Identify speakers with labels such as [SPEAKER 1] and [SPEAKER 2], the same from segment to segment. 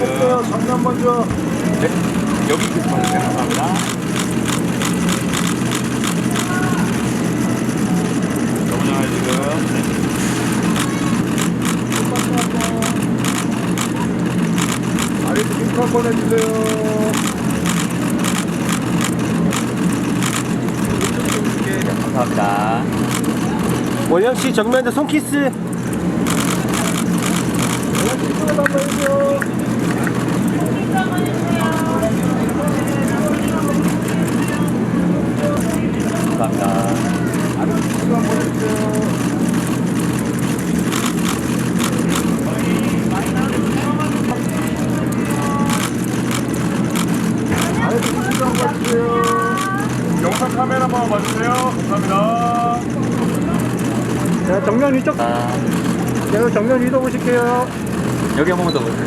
[SPEAKER 1] 볼게요. 정면 먼저.
[SPEAKER 2] 네. 여기 있겠습니다. 감사합니다. 정면을 지금.
[SPEAKER 1] 아래도 링크 한번 해주세요.
[SPEAKER 2] 감사합니다.
[SPEAKER 3] 원영씨 정면에 손키스.
[SPEAKER 1] 링크 한번 해주세요.
[SPEAKER 2] 감사합니다.
[SPEAKER 1] 아래도 링크 한번 해주세요. 아래도 링크 한번 해주세요.
[SPEAKER 4] 영상 카메라 한번 봐주세요. 감사합니다.
[SPEAKER 1] 자, 정면 위쪽. 제가 정면 위로 보실게요.
[SPEAKER 2] 여기 한 번만 더 보세요.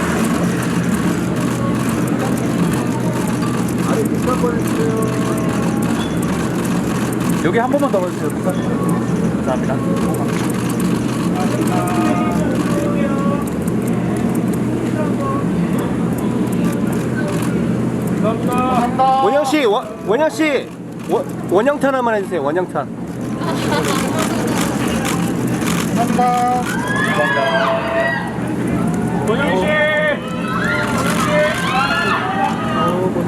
[SPEAKER 1] 아래 링크 한번 해주세요.
[SPEAKER 2] 여기 한 번만 더 봐주세요. 감사합니다.
[SPEAKER 4] 감사합니다.
[SPEAKER 3] 원영씨, 원영씨, 원영탄 한번 해주세요. 원영탄.
[SPEAKER 1] 감사합니다.
[SPEAKER 2] 감사합니다.
[SPEAKER 4] 도영씨.